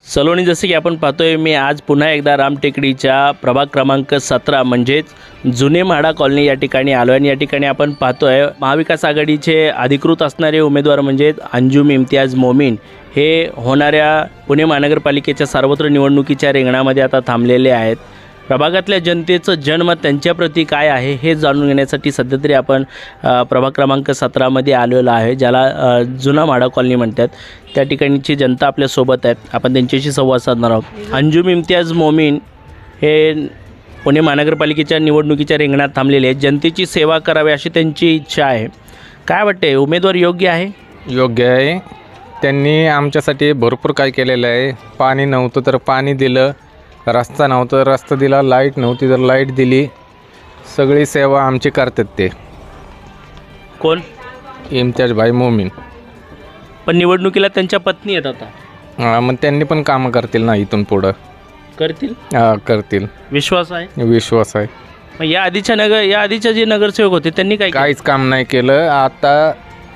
सलोनी, जसे की आपण पाहतोय, मी आज पुन्हा एकदा रामटेकडीच्या प्रभाग क्रमांक 17 म्हणजेच जुने म्हाडा कॉलनी या ठिकाणी आलो आहे. आणि या ठिकाणी आपण पाहतोय महाविकास आघाडीचे अधिकृत असणारे उमेदवार म्हणजेच अंजुम इम्तियाज मोमीन हे होणाऱ्या पुणे महानगरपालिकेच्या सर्वत्र निवडणुकीच्या रिंगणामध्ये आता थांबलेले आहेत. प्रभागातल्या जनतेचं जनमत त्यांच्याप्रती काय आहे हे जाणून घेण्यासाठी सध्या तरी आपण प्रभाग क्रमांक 17मध्ये आलेलो आहे, ज्याला जुना म्हाडा कॉलनी म्हणतात. त्या ठिकाणची जनता आपल्यासोबत आहेत, आपण त्यांच्याशी संवाद साधणार आहोत. अंजुम इम्तियाज मोमीन हे पुणे महानगरपालिकेच्या निवडणुकीच्या रिंगणात थांबलेले आहेत. जनतेची सेवा करावी अशी त्यांची इच्छा आहे. काय वाटते, उमेदवार योग्य आहे? योग्य आहे. त्यांनी आमच्यासाठी भरपूर काय केलेलं आहे. पाणी नव्हतं तर पाणी दिलं, रस्ता नव्हता तर रस्ता दिला, लाईट नव्हती तर लाईट दिली. सगळी सेवा आमची करतात ते. कोण? इम्तियाज भाई मोमीन. पण निवडणुकीला त्यांच्या पत्नी आहेत आता. मग त्यांनी पण कामं करतील ना इथून पुढं? करतील. करतील, विश्वास आहे. विश्वास आहे. मग या आधीच्या जे नगरसेवक होते त्यांनी काय केलं? काहीच काम नाही केलं. आता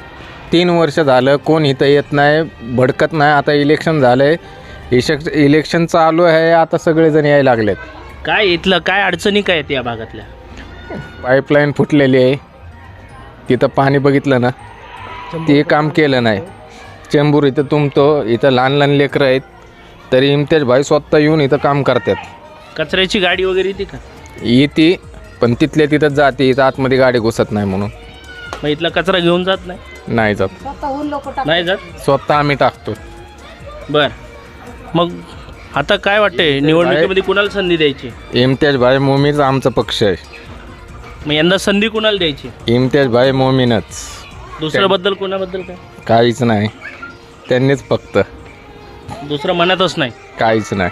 3 वर्ष झालं कोण इथं येत नाही, भडकत नाही. आता इलेक्शन झालं आहे, इलेक्शन चालू आहे, आता सगळेजण यायला लागलेत. काय इथलं काय अडचणी काय आहेत या भागातल्या? पाईपलाईन फुटलेली आहे, तिथं पाणी बघितलं ना, ते काम केलं नाही. चेंबूर इथं तुमतो, इथं लहान लहान लेकरं आहेत, तरी इम्तियाज भाई स्वतः येऊन इथं काम करतात. कचऱ्याची गाडी वगैरे येते का? येते, पण तिथल्या तिथं जाते, इथं आतमध्ये गाडी घुसत नाही म्हणून. मग इथला कचरा घेऊन जात नाही? नाही जात, नाही जात. स्वतः आम्ही टाकतो. बर, मग आता काय वाटतंय, निवडणुकीमध्ये कुणाला संधी द्यायची? इम्तियाज भाई मोमीनच आमचा पक्ष आहे. मग यंदा संधी कुणाला द्यायची? इम्तियाज भाई मोमीनच. दुसऱ्या बद्दल कोणाबद्दल काय? काहीच नाही, त्यांनीच फक्त. दुसरं म्हणतच नाही? काहीच नाही.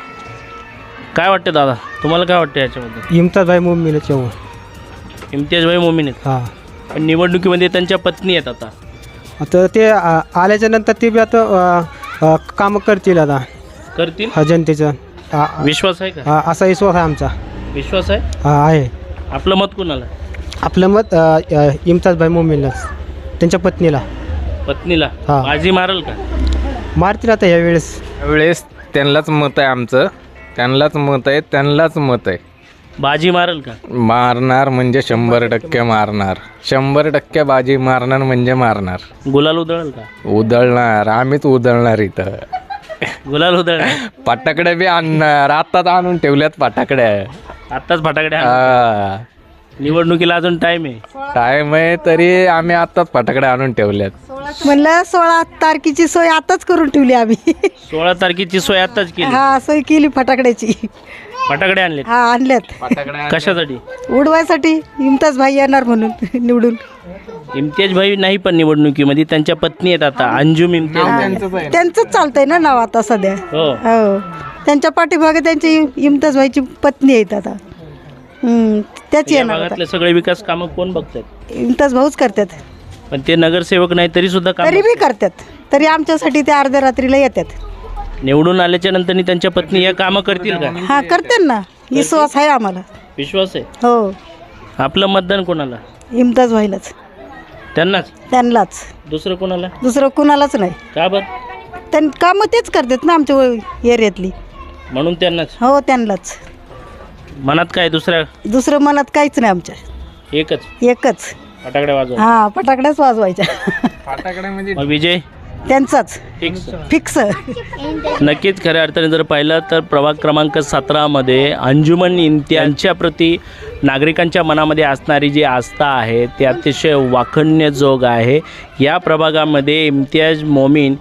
काय वाटतं दादा, तुम्हाला काय वाटतं याच्याबद्दल? इम्तियाज भाई मोमीन येऊ. इम्तियाज भाई मोमीन आहेत. हां, पण निवडणुकीमध्ये त्यांच्या पत्नी आहेत आता. आता ते आल्याच्या नंतर ते बी आता कामं करतील. आता करतील. जनतेचं विश्वास आहे का? असा विश्वास आहे आमचा. विश्वास आहे. आहे. आपलं मत कुणाला? आपलं मत इम्तियाज भाई मोमीनलाच, त्यांच्या पत्नीला. पत्नीला हा. बाजी मारल का? मारतील आता यावेळेस. त्यांनाच मत आहे आमचं, त्यांनाच मत आहे, त्यांनाच मत आहे. बाजी मारल का? मारणार म्हणजे 100% मारणार. 100% बाजी मारणार म्हणजे मारणार. गुलाल उधळल का? उधळणार, आम्हीच उधळणार. इथं गुलाल उधळणार. फटाकड्या बी आणणार, आत्ताच आणून ठेवल्यात फटाकड्या. आत्ताच फटाकड्या. निवडणुकीला अजून टाइम आहे. टाइम आहे तरी आम्ही आत्ताच फटाकड्या आणून ठेवल्यात. म्हणलं 16 तारखेची सोय आताच करून ठेवली आम्ही. 16 तारखेची सोय आत्ताच केली. हा, सोय केली फटाकड्याची. फटाकडे आणले. हा, आणल्यात. फटाकड्या कशासाठी? उडवायसाठी. इम्तियाज भाई येणार म्हणून निवडून. इम्तियाज भाई नाही, पण निवडणुकीमध्ये त्यांच्या पत्नी आहेत आता, अंजुम इम्तियाज. त्यांचंच चालतंय ना नाव आता सध्या. हो. हो, त्यांच्या पाठीमागे त्यांची इम्तियाज भाईची पत्नी आहेत आता. त्याच या येणार आता. भागातले सगळे विकास कामं कोण बघतात? इम्तियाज भाऊच करतात. पण ते नगरसेवक नाही तरी सुद्धा काम. तरी बी करतात. तरी आमच्यासाठी ते अर्ध्या रात्रीला येतात. निवडून आल्याच्या नंतर त्यांच्या पत्नी या कामं करतील का? हा, करतात ना. विश्वास आहे आम्हाला. विश्वास आहे. हो, आपलं मतदान कोणाला? इम्तियाज भाईलाच. त्यांनाच. दुसरं कोणाला? दुसरं कुणालाच नाही. का बर? कामं तेच करतात ना आमच्या एरियातली. म्हणून त्यांनाच. हो, त्यांनाच. मनात काय दुसरं मनात काहीच नाही आमच्या. एकच फटाकडे वाजव. हा, फटाकड्याच वाजवायच्या. फटाकड्या म्हणजे मग विजय त्यांचाच फिक्स. नक्कीच. खऱ्या अर्थाने जर पाहिलं तर प्रभाग क्रमांक 17मध्ये अंजुमन इम्तियाजच्या प्रती नागरिकांच्या मनामध्ये असणारी जी आस्था आहे ती अतिशय वाखाणण्याजोग आहे. या प्रभागामध्ये इम्तियाज मोमीन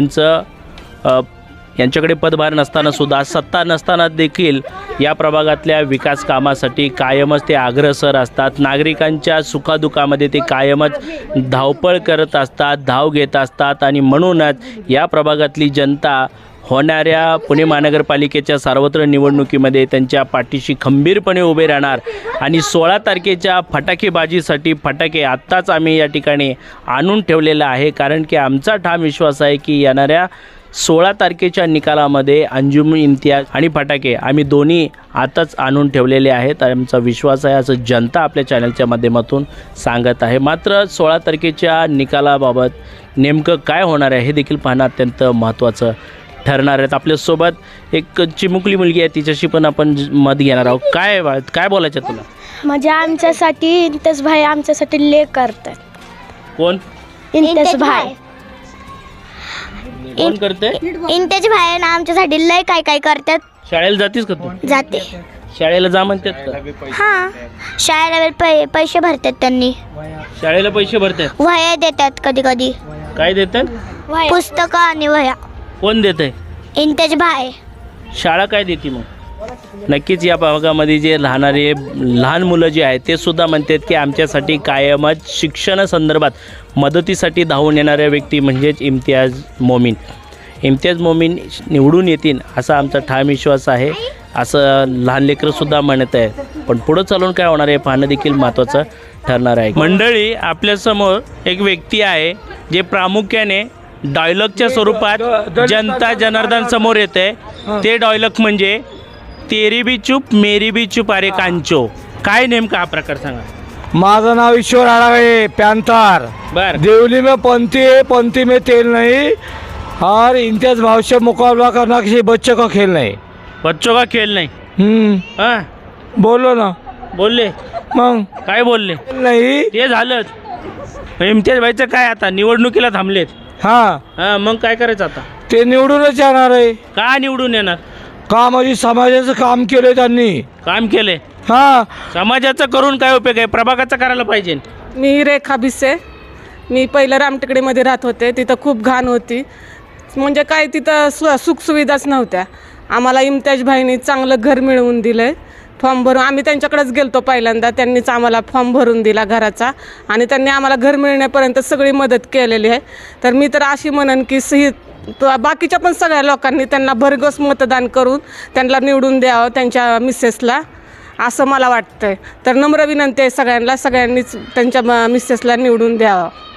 यांच्याकडे पदभार नसताना सुद्धा, सत्ता नसताना देखील या प्रभागातल्या विकास कामासाठी कायमच ते अग्रेसर असतात. नागरिकांच्या सुखादुखामध्ये ते कायमच धावपळ करत असतात, धाव घेत असतात. आणि म्हणूनच या प्रभागातली जनता होणाऱ्या पुणे महानगरपालिकेच्या सर्वत्र निवडणुकीमध्ये त्यांच्या पाठीशी खंबीरपणे उभे राहणार. आणि 16 तारखेच्या फटाकेबाजीसाठी फटाके आत्ताच आम्ही या ठिकाणी आणून ठेवलेलं आहे, कारण की आमचा ठाम विश्वास आहे की येणाऱ्या 16 तारखेच्या निकालामध्ये अंजुम इम्तियाज आणि फटाके आम्ही दोन्ही आताच आणून ठेवलेले आहेत. आमचा विश्वास आहे असं जनता आपल्या चॅनलच्या माध्यमातून सांगत आहे. मात्र 16 तारखेच्या निकालाबाबत नेमकं काय होणार आहे हे देखील पाहणं अत्यंत महत्त्वाचं ठरणार आहेत. आपल्यासोबत एक चिमुकली मुलगी आहे, तिच्याशी पण आपण मत घेणार आहोत. काय बोलायचं तुला? म्हणजे आमच्यासाठी इंतेश भाई आमच्यासाठी ले करतात. कोण इंतेश भाई कोण करते? इंतेश भाई ना आमच्यासाठी लय काय काय करतात. शाळेला जातीस का तू? जाते. शाळेला जा म्हणतात का? हां, शाळेला पैसे भरतात त्यांनी. शाळेला पैसे भरतात? वह्या देतात कधी कधी. काय देतात? पुस्तकं आणि वह्या. कोण देतंय? इंतेश भाई. शाळा काय देते मग? नक्कीच या भागामध्ये जे लहान मुलं जे आहेत ते सुद्धा म्हणतात की आमच्यासाठी कायमच शिक्षणासंदर्भात मदतीसाठी धावून येणाऱ्या व्यक्ती म्हणजेच इम्तियाज मोमीन निवडून येतील असा आमचा ठाम विश्वास आहे, असं लहान लेकरंसुद्धा म्हणत आहे. पण पुढं चालून काय होणार आहे पाहणं देखील महत्त्वाचं ठरणार आहे. मंडळी, आपल्यासमोर एक व्यक्ती आहे जे प्रामुख्याने डायलॉगच्या स्वरूपात जनता जनार्दन समोर येते. ते डायलॉग म्हणजे तेरी बी चूप मेरी बी चूप अरे कांचो. काय नेमका हा प्रकार सांगा. माझं नाव ईश्वर आडागळे, पॅंथर. बर, देवली में पंथी है, पंथी में तेल नहीं, और इम्तियाज भाव से मुकाबला करना किसी बच्चे का खेल नहीं. बच्चों का खेळ नाही. हा, बोलो ना. बोलले. मग काय बोलले? नाही. ते झालंच. इम्तियाज भाईचं काय आता निवडणुकीला थांबलेत. हा, मग काय करायचं आता? ते निवडूनच येणार आहे. का निवडून येणार? का म्हणजे समाजाचं काम केलंय त्यांनी. काम केले. हा, समाजाचं करून काय उपयोग आहे? प्रभागाचं करायला पाहिजे. मी रेखा भिसे. मी पहिलं रामटेकडीमध्ये राहत होते. तिथं खूप घाण होती, म्हणजे काय तिथं सुखसुविधाच नव्हत्या. आम्हाला इम्तियाज भाईंनी चांगलं घर मिळवून दिलं आहे. फॉर्म भरून आम्ही त्यांच्याकडेच गेलतो पहिल्यांदा. त्यांनीच आम्हाला फॉर्म भरून दिला घराचा, आणि त्यांनी आम्हाला घर मिळण्यापर्यंत सगळी मदत केलेली आहे. तर मी तर अशी म्हणन की बाकीच्या पण सगळ्या लोकांनी त्यांना भरघोस मतदान करून त्यांना निवडून द्यावं, त्यांच्या मिसेसला, असं मला वाटतंय. तर नम्र विनंती आहे सगळ्यांनीच त्यांच्या मिसेसला निवडून द्यावं.